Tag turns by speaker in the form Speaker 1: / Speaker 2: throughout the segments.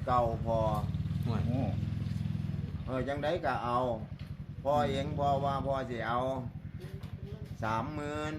Speaker 1: เก่าพอ
Speaker 2: โอ้
Speaker 1: จังไดก็เอาพ่อเองพ่อว่าพ่อสิเอา30,000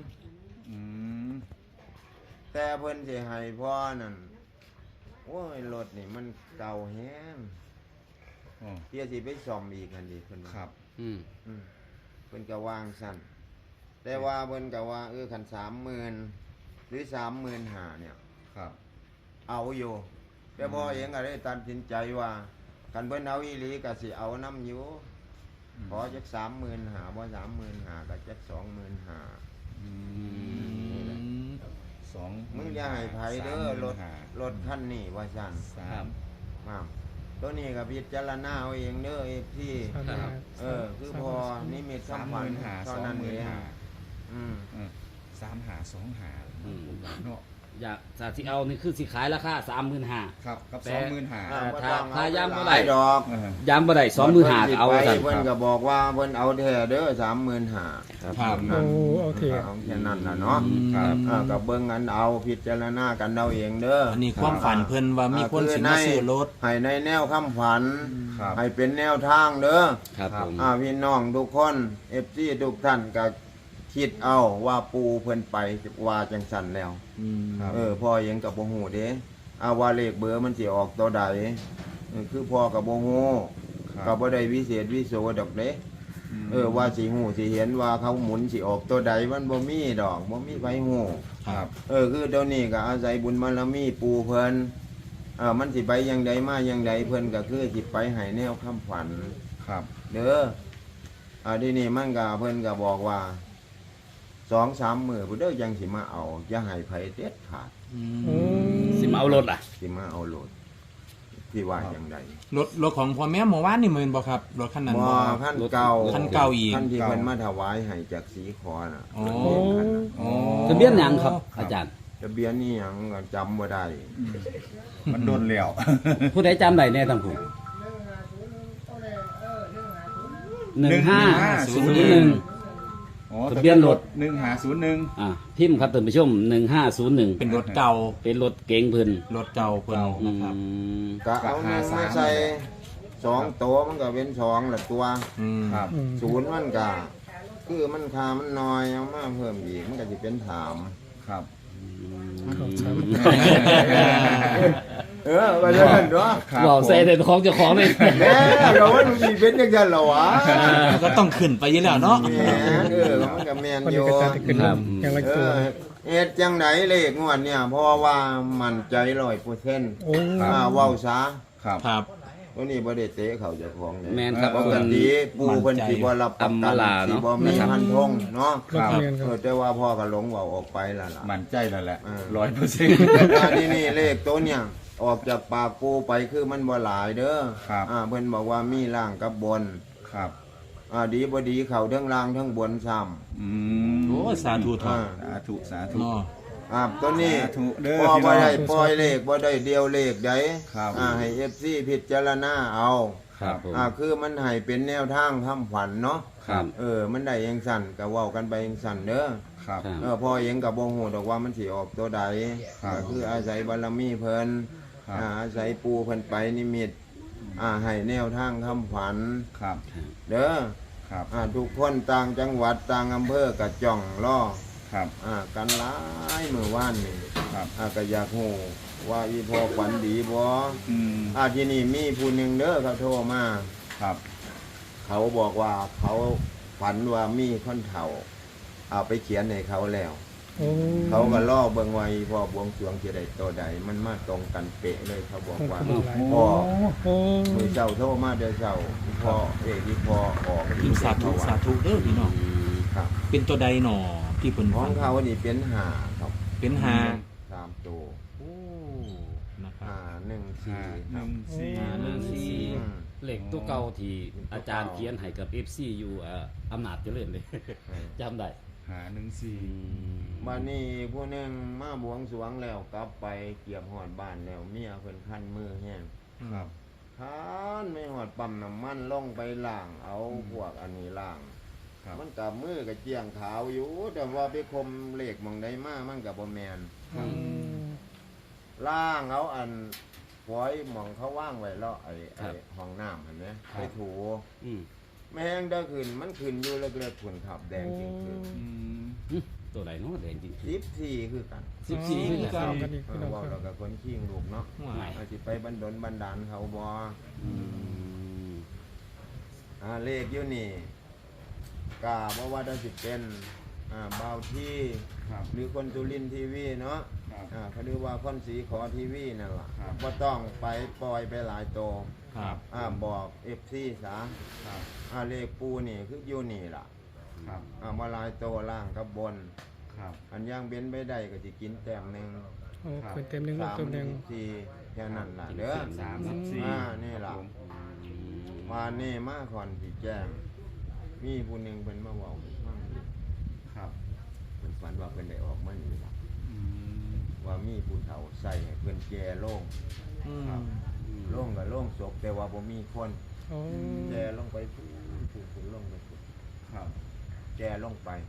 Speaker 1: แต่เพิ่นสิให้พ่อนั่นโอ้ยรถนี่มันเก่าแฮงเที่ยสิไปซ่อมอีกหั่นดิเพิ่น
Speaker 2: ครับ
Speaker 1: เพิ่นก็วางสั่นแต่ว่าเพิ่นก็ว่าคัน30,000หรือ35,000เนี่ย
Speaker 2: ครับ
Speaker 1: เอาอยู่แต่พ่อเองก็ได้ตัดสินใจว่าคันเพิ่นเอาอีหลีก็สิเอานำอยู่ขอจัก35,000บ่35,000ก็จัก25,000มึงอย่าให้ไผเด้อรถคันนี้ว่าซั่นครับตัวนี้ก็พิจารณาเอาเองเด้อที่คือพอนิมิตคำฝันเท่านั้นเอง
Speaker 2: 35,000 เนาะ
Speaker 3: อยากจะที่เอานี่คือสิขายราคา35,000
Speaker 2: ครับกับ25,000
Speaker 3: ถ้าย้ำบ่ได้
Speaker 1: ดอก
Speaker 3: ย้ำบ่ได้25,000ก็เอาซั่น
Speaker 1: เพิ่นก็บอกว่าเพิ่นเอาแท้เด้อ35,000
Speaker 2: ครับ
Speaker 1: โอเคเอาแค่นั้นล่ะเนาะก็เบิ่งกันเอาพิจารณากันเอาเองเด้อ
Speaker 4: อันนี้ความฝันเพิ่นว่ามีคนสิมาซื้อรถ
Speaker 1: ให้ในแนวคำฝันให้เป็นแนวทางเด้อ
Speaker 3: ครับผม
Speaker 1: พี่น้องทุกคน FC ทุกท่านก็คิดเอาว่าปูเพิ่นไปว่าจังสั่นแล้วพ่อยังกับบ่ฮู้เด้ว่าเลขเบอร์มันสิออกตัวใดคือพ่อกับบ่ฮู้ก็บ่ได้วิเศษวิโสดอกเด้ว่าสิฮู้สิเห็นว่าเขาหมุนสิออกตัวใดมันบ่มีดอกบ่มีไผฮู้
Speaker 2: ครับ
Speaker 1: คือเดี๋ยวนี้ก็อาศัยบุญบารมีปูเพิ่นมันสิไปอย่างใดมาอย่างใดเพิ่นก็คือสิไปให้แนวคำฝัน
Speaker 2: ครับ
Speaker 1: เด้อที่นี่มันก็เพิ่นก็บอกว่า2-3 มื้อพุ่นเด้อยังสิมาเอาอย่าให้ไผเด็ดขาด
Speaker 3: สิมาเอารถล่ะ
Speaker 1: สิมาเอารถที่ว่าจังได๋
Speaker 4: รถของพ่อแม่เมื่อวานนี่แม่นบ่ครับรถคันนั้น
Speaker 1: บ่คันเก่า
Speaker 4: อีก
Speaker 1: คันที่เพิ่นมาถวายให้จากสีขอน่ะ
Speaker 3: ทะเบียนหยังครับอาจารย์
Speaker 1: ทะเบียนนี่หยังก็จำบ่ได้
Speaker 2: มันโดนแล้ว
Speaker 3: ผู้ใดจำได้แน่ทั้งผู้1501ทะเบียนรถ
Speaker 2: 1501
Speaker 3: พิมพ์ครับท่านผู้ชม1501
Speaker 4: เป็นรถเก่า
Speaker 3: เป็นรถเก๋งเพิ่น
Speaker 4: รถเก่าเพิ่นนะครับ
Speaker 1: ก็เอา1มาใส่2ตัวมันก็เป็น2ละตัว
Speaker 2: ครับ
Speaker 1: 0มันก็คือมันค่ามันน้อยเอามาเพิ่มอีกมันก็สิเป็น3
Speaker 2: ครับ
Speaker 1: ว่าจังซั่นเนาะ
Speaker 3: บ่ใส่แต่ของเจ้าของนี่
Speaker 1: แหมเราว่ามันสิเป็นจังซั่นเหรอวะ
Speaker 4: ก็ต้องขึ้นไปอยู่แล้วเนาะ
Speaker 1: มันก็แม่นอยู่เฮ็ดจังได๋เลขงวดเนี่ยเพราะว่ามั่นใจ 100%เว้าซะ
Speaker 4: ครับ
Speaker 1: ตัวนี้บ่ได้เตะเขาเจ้าของ
Speaker 3: แม่นครับ
Speaker 1: ปกติปูเพิ่นสิบ่รับประกันสิบ่มีพันธงเนาะแต่ว่าพ่อก็หลงเว้าออกไปแล้วล่ะ
Speaker 2: มั่นใจแล้วแหละ
Speaker 1: 100%นี่เลขตัวเนี่ยออกจากปากปูไปคือมันบ่หลายเด้อเพิ่นบอกว่ามีล่างกับบน
Speaker 2: ครับ
Speaker 1: ดีบ่ดีเข้าทั้งล่างทั้งบนซ้ำ
Speaker 4: โอ้สาธุ
Speaker 2: สาธุ
Speaker 1: ตัวนี้พอบ่ได้ปล่อยเลขบ่ได้เดียวเลขใดให้ FC พิจารณาเอาคือมันให้เป็นแนวทางทำฝันเนาะมันได้จังสั่นก็เว้ากันไปจังสั่นเด้อพอเองก็บ่ฮู้ดอกว่ามันสิออกตัวใดคืออาศัยบารมีเพิ่นอาศัยปูเพิ่นไปนิมิตให้แนวทางคำฝันเด้อทุกคนต่างจังหวัดต่างอำเภอก็จ้องรอกันหลายมื้อวานนี่ก็อยากฮู้ว่าอีพ่อฝันดีบ่ที่นี่มีผู้หนึ่งเด้อเขาโทรมาเขาบอกว่าเขาฝันว่ามีคนเฒ่าเอาไปเขียนให้เขาแล้วเขาก็ล่อเบิ่งไว้พ่อบวงสรวงจะได้ตัวใดมันมาตรงกันเป๊ะเลยเขาบอกว่าพ่อมือเจ้าโทรมาเดี๋ยวเจ้าพ่อที่พ่อออก
Speaker 4: สาธุเด้อพี่น้องเป็นตัวใดหนอที่เพิ่น
Speaker 1: ของเขานี่เป็น5ครับ
Speaker 4: เป็น
Speaker 1: 3ตัว
Speaker 3: 1-4เลขตัวเก่าที่อาจารย์เขียนให้กับ FC อยู่อำนาจเจริญเลยจำได้
Speaker 2: 1-4
Speaker 1: บัดนี้ผู้นึงมาบวงสรวงแล้วกลับไปเกียบฮอดบ้านแล้วเมียเพิ่นคันมือแห้งคันไม่ฮอดปั๊มน้ำมันลงไปล้างเอาพวกอันนี้ล้างมันกับมือกับเจียงขาวอยู่แต่ว่าไปคมเลขมองได้มามันกับบ่แมนล่างเอาอันปล่อยหมองเขาว่างไว้แล้วไอ้ห้องน้ำเห็นไหมไปถู
Speaker 3: อืม
Speaker 1: แม่งได้ขึ้นมันขึ้นอยู่เล็กๆผุนขับแดงจริงคือ
Speaker 3: ตัวไหนเนาะแดงจริง
Speaker 1: 14คือกัน
Speaker 3: 14
Speaker 4: คือกัน
Speaker 5: กันอีกพี่น้อง
Speaker 1: ว่า
Speaker 5: ครั
Speaker 1: เรา
Speaker 5: บ
Speaker 1: กับคนขี้งลูกเนาะ
Speaker 4: ว้าย
Speaker 1: อาจจะไปบันดลบันดาลเขาบ่
Speaker 3: อืม
Speaker 1: เลขอยู่นี่กาบ่ว่าได้สิเป็นเบาที่
Speaker 2: ครับ
Speaker 1: หรือคนจุลินทีวีเนาะ
Speaker 2: ครับ
Speaker 1: เขาเรียกว่าคนสีขอทีวีนั่นล่ะ
Speaker 2: ครับ
Speaker 1: บ่ต้องไปปล่อยไปหลายโต
Speaker 4: ครับ
Speaker 1: บอก FC ซะ
Speaker 2: ครับ
Speaker 1: เลขปูนี่คืออยู่นี่ล่ะ
Speaker 2: ครับ
Speaker 1: มาหลายโตล่างกับบน
Speaker 2: ครับ
Speaker 1: อันย่างเบ้นไปได้ก็สิกินแต้มหนึง
Speaker 5: โอ้เพิ่นเต็มหนึงลูกเต็มหนึง
Speaker 1: 3 4แค่นั้นล่ะเด้อ
Speaker 2: 34
Speaker 1: นี่ล่ะ
Speaker 2: ครับผม
Speaker 1: มานี่มาก่อนสิแจ้งมีผู้หนึงเพิ่นมาเว้าให้ฟังอยู่
Speaker 2: ครับ
Speaker 1: เพิ่นฝันว่าเพิ่นได้ออกมานี่ล่ะ
Speaker 2: อืม
Speaker 1: ว่ามีผู้เฒ่าใส่ให้เพิ่นแก่โล่ง
Speaker 4: อืม
Speaker 2: ครับ
Speaker 1: โล่งกับโล่งศพแต่ว่าบ่มีคน
Speaker 5: โอ้
Speaker 1: แก่ลงไปฟูฟูลงไปฟู
Speaker 2: ครับ
Speaker 1: แก่ลงไป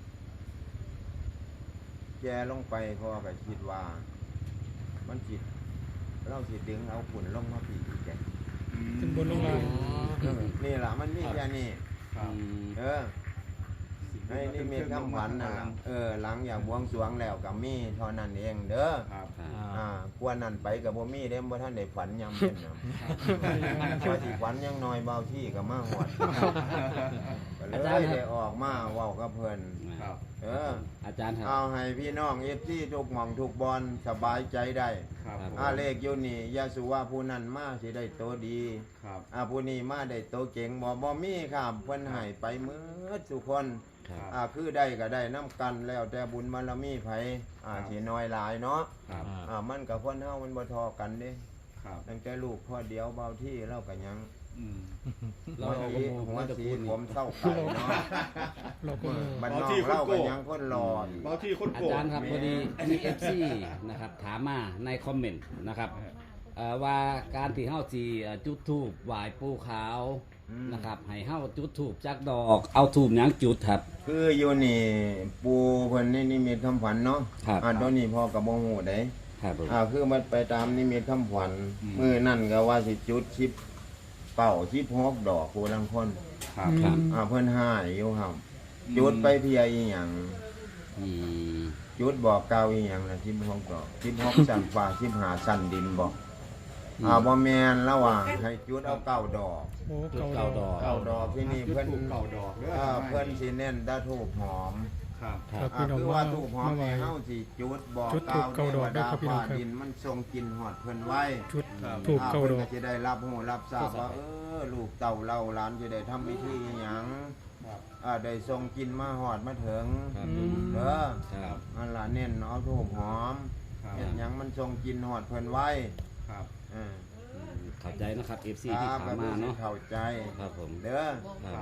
Speaker 1: แก่ลงไปเพราะว่าก็คิดว่า มันสิเราสิดึงเอาฝุ่นลงมาปีอีกแก
Speaker 5: ขึ้นบนลงล่าง
Speaker 1: นี่ล่ะมันมีแค่นี้
Speaker 2: ครับ
Speaker 1: เออในนี่มีคำขวัญนั่นล่ะหลังอย่างบวงสรวงแล้วก็มีเท่านั้นเองเด้อ
Speaker 2: ครับ
Speaker 1: กวนนั่นไปกับบ่มีเด้บ่ท่านได้ฝันยามเป็นน่ะพอสิฝันยังน้อยเบาที่ก็มาฮอดก็เลยได้ออกมาเว้ากับเพิ่น
Speaker 2: ครับ
Speaker 3: อาจารย์ครับ
Speaker 1: เอาให้พี่น้อง FC ทุกหม่องทุกบอนสบายใจได้
Speaker 2: ครับผม
Speaker 1: เลขอยู่นี่อย่าสุว่าผู้นั้นมาสิได้โตดี
Speaker 2: ครับ
Speaker 1: ผู้นี้มาได้โตเก่งบ่มีครับเพิ่นให้ไปหมืดทุกคน
Speaker 2: ครับ
Speaker 1: คือได้ก็ได้น้ำกันแล้วแต่บุญบารมีไผสิน้อยหลายเนาะ
Speaker 2: ครับ
Speaker 1: มันกับคนเฮามันบ่ทอกันเด้
Speaker 2: ครับ
Speaker 1: ตั้งแต่ลูกพ่อเดียวเบาที่เล่ากันยัง
Speaker 2: อืม
Speaker 3: เรา
Speaker 1: หัว
Speaker 3: จะ
Speaker 1: สี
Speaker 3: พูด
Speaker 1: ผมเศร้าไก่เนาะ
Speaker 5: เราก็รู้
Speaker 1: บ้านนอกเล่ากันยังคนรออยู่
Speaker 2: บางที่คน
Speaker 3: อา
Speaker 2: โกรธ
Speaker 3: จารย์ครับพอดีมี FC นะครับถามมาในคอมเมนต์นะครับว่าการที่เฮาสิจุดธูปไหว้ปู่ขาวนะครับให้เฮาจุดธูปจักดอกเอาธูปหยังจุดครับ
Speaker 1: คืออยู่นี่ปูเพิ่นนี่นิมิตคำขวัญเนาะ
Speaker 3: ครับ
Speaker 1: ตอนนี้พ่อกับบ่ฮู้ได้
Speaker 3: ครับผม
Speaker 1: คือมันไปตามนิมิตคำขวัญมื้อนั่นก็ว่าสิจุดชิปเป่าชิปฮอกดอกผู้ลังคน
Speaker 2: ครับ
Speaker 3: ครับ
Speaker 1: เพิ่นหายอยู่ครับจุดไปเพียอีหยัง
Speaker 3: อืม
Speaker 1: จุดบอกเก่าอีหยังน่ะชิปฮอกดอกชิปฮอกชั้นฟ้าชิปหาชั้นดินบอกบ่แม่นแล้วว่าให้จุดเอาเก้าดอก
Speaker 5: โอ้
Speaker 3: จุด
Speaker 5: เก่า
Speaker 3: เก้า
Speaker 5: ด
Speaker 3: ด
Speaker 5: อ
Speaker 3: อก ก
Speaker 1: เก้าดอกที่นี่เพิ่น
Speaker 2: เก่าดอกเด้อ
Speaker 1: เพิ่นสิเน้นตะทูบหอม
Speaker 2: ครับ
Speaker 5: ครับพี่น้อง
Speaker 1: คือ
Speaker 5: ว่า
Speaker 1: ว่าทูบหอม
Speaker 5: มาไหว
Speaker 1: นี่เฮาสิจุดบอก
Speaker 5: จุดธูปเก้าดอก
Speaker 1: เทว
Speaker 5: ด้วยครับพี่น้องครับ
Speaker 1: ฟ้าดินมันทรงกินฮอดเพิ่นไว้
Speaker 5: ชุดถูกเก่าดอก
Speaker 1: พิ่นจะได้รับรู้รับทราบว่าลูกเต่าเล่าหลานจะได้ทำพิธีอีหยัง
Speaker 2: ครับ
Speaker 1: ได้ทรงกินมาฮอดมาถึง
Speaker 3: ครับ
Speaker 5: อืม
Speaker 1: เด้อ
Speaker 3: ครับ
Speaker 1: อันล่ะเน้นเอาทูบหอม
Speaker 2: ครับ
Speaker 1: เฮ็ดหยังมันทรงกินฮอดเพิ่นไว้
Speaker 2: ครับ
Speaker 1: เออ
Speaker 3: เข้าใจนะครับ FC
Speaker 1: ค
Speaker 3: ที่
Speaker 1: รับ
Speaker 3: ถามมาเนาะ
Speaker 1: เข้าใจ
Speaker 3: ครับผม
Speaker 1: เด้อ
Speaker 3: ครับ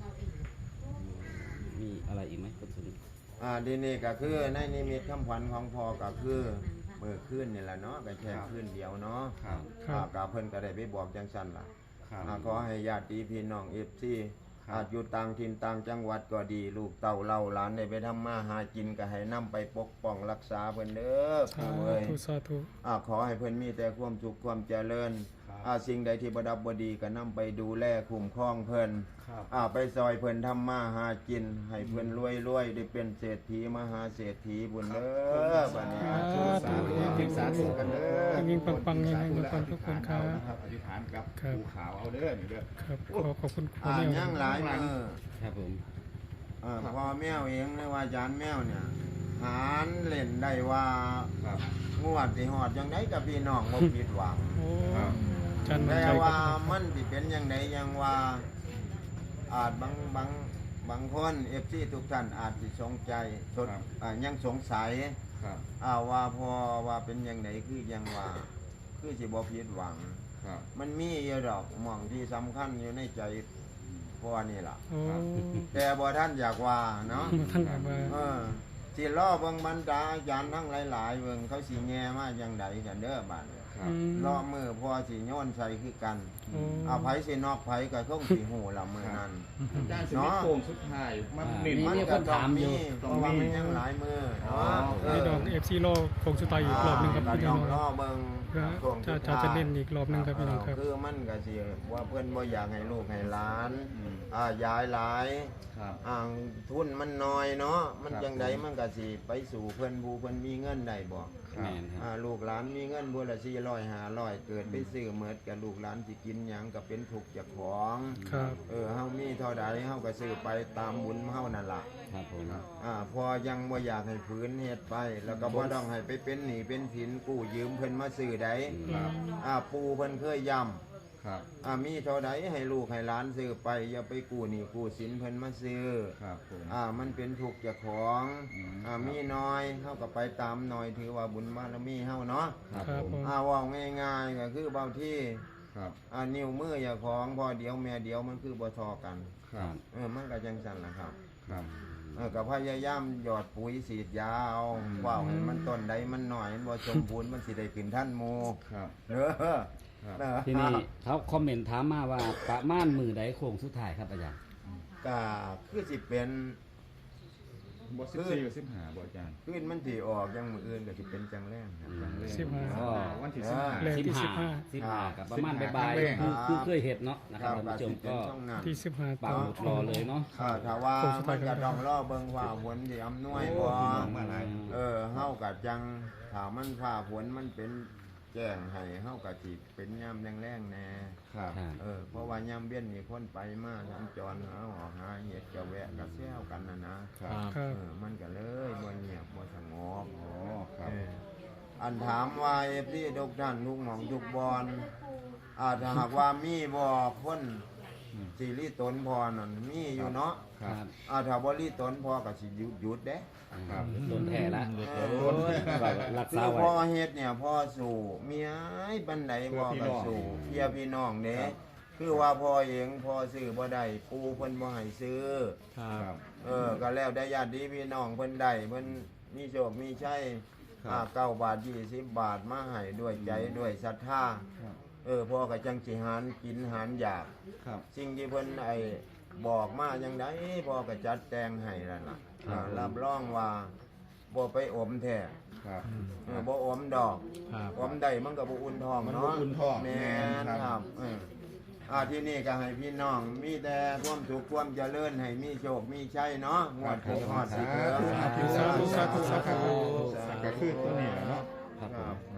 Speaker 3: มีอะไรอีกไหมคุณสุนิท
Speaker 1: ดีนี่ก็คือในนิมิตคำขวัญของพ่อก็คือมื้อคืนนี่แหละเนาะก็แค่คืนเดียวเนาะ
Speaker 2: ครับ
Speaker 5: ครับ
Speaker 1: ก็เพิ่นก็ได้ไปบอกจังซั่นล่ะ
Speaker 2: ครับ
Speaker 1: ขอให้ญาติพี่น้องFC
Speaker 2: ครับ
Speaker 1: อยู่ต่างถิ่นต่างจังหวัดก็ดี ลูกเต่าเล่าหลานได้ไปทำมาหากินก็ให้นำไปปกป้องรักษาเพิ่นเด้อ
Speaker 5: สา
Speaker 1: ปู่เอ้ย
Speaker 5: ธุสาธุ
Speaker 1: ขอให้เพิ่นมีแต่ความสุขความเจริญ
Speaker 2: ครับ
Speaker 1: สิ่งใดที่บ่ดับบ่ดีก็นำไปดูแลคุ้มครองเพิ่น
Speaker 2: ครับ
Speaker 1: ไปซอยเพิ่นทำมาหากิน ให้เพิ่นรวยๆได้เป็นเศรษฐีมหาเศรษฐีบุญเด้อบัดนี้
Speaker 5: สาธุ
Speaker 2: สาธุกันเด้อ
Speaker 5: ยิ่งปังๆยิ่งให้ปังๆทุกคนครับ
Speaker 2: อธิษฐานกับ
Speaker 5: ครับ
Speaker 2: ภูขาวเอาเด้อนี่เด้อ
Speaker 5: ครับขอบคุณครูแมว
Speaker 1: ยังหลายมือ
Speaker 3: ครับผม
Speaker 1: พ่อแมวเองหรือว่าอาจารย์แมวเนี่ยหารเล่นได้ว่า
Speaker 2: ครับ
Speaker 1: งวดสิฮอดจังไดกับพี่น้องบ่ผิดหวัง
Speaker 5: โอ้
Speaker 2: ครับ
Speaker 5: จันทร์
Speaker 1: แต่
Speaker 5: ใจค
Speaker 1: ว่า
Speaker 5: รับ
Speaker 1: มันสิเป็นจังไดยังว่าอาจบางคน FC ทุกท่านอาจสิสงใจยังสงสัย
Speaker 2: ครับ
Speaker 1: ว่าพอว่าเป็นจังไดคือยังว่าคือสิบ่ผิดหวัง
Speaker 2: ครับ
Speaker 1: มันมีอยู่ดอกหม่องที่สำคัญอยู่ในใจพ่อนี่ล่ะ
Speaker 5: โอ้
Speaker 1: แต่บ่ท่านอยากว่าเนาะ
Speaker 5: ท่านบอกว่า
Speaker 1: สิล้อเบิ่งบรรดาอาจารย์ทั้งหลายๆเบิ่งเขาสิแง่มาจังใดกันเด้อบัดนี้
Speaker 2: ครับ
Speaker 1: ล้อมือพอสิโยนใส่คือกัน
Speaker 5: โอ้
Speaker 1: ไผสินอกไผก็คงสิฮู้ละมื้อนั้น
Speaker 2: อาจารย์สิมีโป่งสุดท้ายมันเน้น
Speaker 1: มันก็ต้องมีเพราะว่ามันยังหลายมือเนาะ
Speaker 5: พี่น้อง FC โลคงสุดท้ายอีกรอบหนึงครับ
Speaker 1: ก็
Speaker 5: พี่
Speaker 1: ต้
Speaker 5: น้
Speaker 1: อ
Speaker 5: อง ง
Speaker 1: ล้อเบิ่ง
Speaker 5: จะเล่นอีกรอบหนึงครับพี่น้องครับ
Speaker 1: คือมันก็สิว่าเพิ่นบ่อยากให้ลูกให้หลานยายหลาย
Speaker 2: ครับ
Speaker 1: ทุนมันน้อยเนาะมันจังไดมันก็สิไปสู่เพิ่นผู้เพิ่นมีเงินได้บ่
Speaker 3: แม่นครับ
Speaker 1: ลูกหลานมีเงินบัวละ400 500เกิดไปซื้อเมิดกับลูกหลานสิกินหยังก็เป็นทุกข์เจ้าของ
Speaker 5: ครับ
Speaker 1: เฮามีเท่าใดเฮาก็ซื้อไปตามบุญเฮานั่นล่ะ
Speaker 3: ครับผม
Speaker 1: พอยังบ่อยากให้ฝืนเฮ็ดไป แล้วก็บ่ต้องให้ไปเป็นหนี้เป็นสินกู้ยืมเพิ่นมาซื้อใด
Speaker 2: ครับ
Speaker 1: ปู่เพิ่นเคยย้ำ
Speaker 2: ครับ
Speaker 1: มีเท่าใดให้ลูกให้หลานซื้อไปอย่าไปกู้หนี้กู้สินเพิ่นมาซื้อ
Speaker 2: ครับผม
Speaker 1: มันเป็นทุกข์เจ้าของ มีน้อยเฮาก็ไปตามน้อยถือว่าบุญบารมีเฮาเนาะ
Speaker 2: ครับ
Speaker 5: ครับ
Speaker 2: ผม
Speaker 5: ผม
Speaker 1: เว้าง่ายๆก็คือบางที่
Speaker 2: ครับ
Speaker 1: นิ้วมือเจ้าของพอเดียวแม่เดียวมันคือบ่ทอกัน
Speaker 2: ครับ
Speaker 1: มันก็จังซั่นล่ะครับ
Speaker 2: ครับ
Speaker 1: ก็พยายามหยอดปุ๋ยสีดยาเอาว่าวให้มันต้นใดมันหน่อยมันบ่สมบูรณ์มันสิได้ขึ้นท่านหมู่
Speaker 2: ครับ
Speaker 1: ครับ
Speaker 3: ทีนี้เขาคอมเมนต์ถามมาว่าประมาณมือใดโค้งสุดท้ายครับอาจารย์
Speaker 1: ก็คือสิเป็น
Speaker 2: บ่14กับ15บ่อาจารย์
Speaker 1: ขึ้นมันสิออกยังมื้ออื่นก็สิเป็นจังแรงครับจังแรง
Speaker 5: 15
Speaker 3: ก็
Speaker 2: วันที่
Speaker 5: แรก
Speaker 3: สิบ
Speaker 5: ที่
Speaker 3: ห้า
Speaker 5: 15
Speaker 3: สิบห้ากับประมาณ
Speaker 2: 15
Speaker 3: บ่าย
Speaker 2: ครั้งแรก
Speaker 3: ๆคือเคยเห็นเนาะนะครับท่านผู้ชมก็
Speaker 5: ที่15
Speaker 3: ปั
Speaker 5: ต่
Speaker 3: ก
Speaker 5: อ
Speaker 3: หมุดรอเลยเนาะ
Speaker 1: ถ้าว่ามันจะต้องรอเบิ่งว่าฝนสิอำนวยบ่
Speaker 2: พี่น้องมาหลาย
Speaker 1: เฮาก็จังถ้ามันฟ้าฝนมันเป็นแจ้งให้เฮาก็สิเป็นยามแรงๆแน่
Speaker 2: ครับ
Speaker 3: ครับ
Speaker 1: เพราะว่ายามเบี้ยนมีคนไปมาสัญจรเอาออกหาเห็ดกะแวะกะแซวกันนะครับ
Speaker 5: ครับ
Speaker 1: มันก็เลยบ่เงียบบ่สงบ
Speaker 2: อ๋อครับ
Speaker 1: อันถามว่าพี่ทุกท่านทุกหม่องทุกบอนถ้าหากว่ามีบ่คนสิริตนพอนั่นมีอยู่เนาะ
Speaker 2: ครับ
Speaker 1: ถ้าบ่ริตนพอก็สิหยุดเด้
Speaker 2: ครับ
Speaker 3: โดนแท้ละ
Speaker 1: เออ
Speaker 3: รัก
Speaker 1: คื
Speaker 3: ษา
Speaker 1: อ
Speaker 3: ไว้
Speaker 1: พ่อเฮ็ดเนี่ยพ่อสู่เมียบันไดพ่อก็สู่เพียพี่น้องเด้คือว่าพ่อเองพ่อซื้อบ่ได้ปู่เพิ่นบ่ให้ซื้อ
Speaker 2: ครับ
Speaker 1: ก็แล้วได้ญาติพี่น้องเพิ่นได้เพิ่นมีโชคมีชัย9 บาท20 บาทมาให้ด้วยใจด้วยศรัทธา
Speaker 2: ครับ
Speaker 1: พ่อก็จังสิหารกินหารอยาก
Speaker 2: ครับ
Speaker 1: สิ่งที่เพิ่นบอกมาจังไดพ่อก็จัดแต่งให้นั่นล่ะรับรองว่าบ่ไปอมแท้
Speaker 2: ครับ
Speaker 1: บ่อมดอก
Speaker 4: ครับ
Speaker 1: อมได้มันก็บ่อุ่นท้อง
Speaker 2: มัน
Speaker 1: เนาะ
Speaker 2: บ่อุ่นท้อง
Speaker 1: แม่น
Speaker 2: แม่น
Speaker 1: ค
Speaker 2: ครั
Speaker 1: รับบ ที่นี่ก็ให้พี่น้องมีแต่ความสุขความเจริญให้มีโชคมีชัยเนาะงวดที่ฮอดสิเกิด
Speaker 5: สาธุสาธุสาธุ
Speaker 2: ก็คือตัวนี้แหละเนาะ
Speaker 3: ครับผม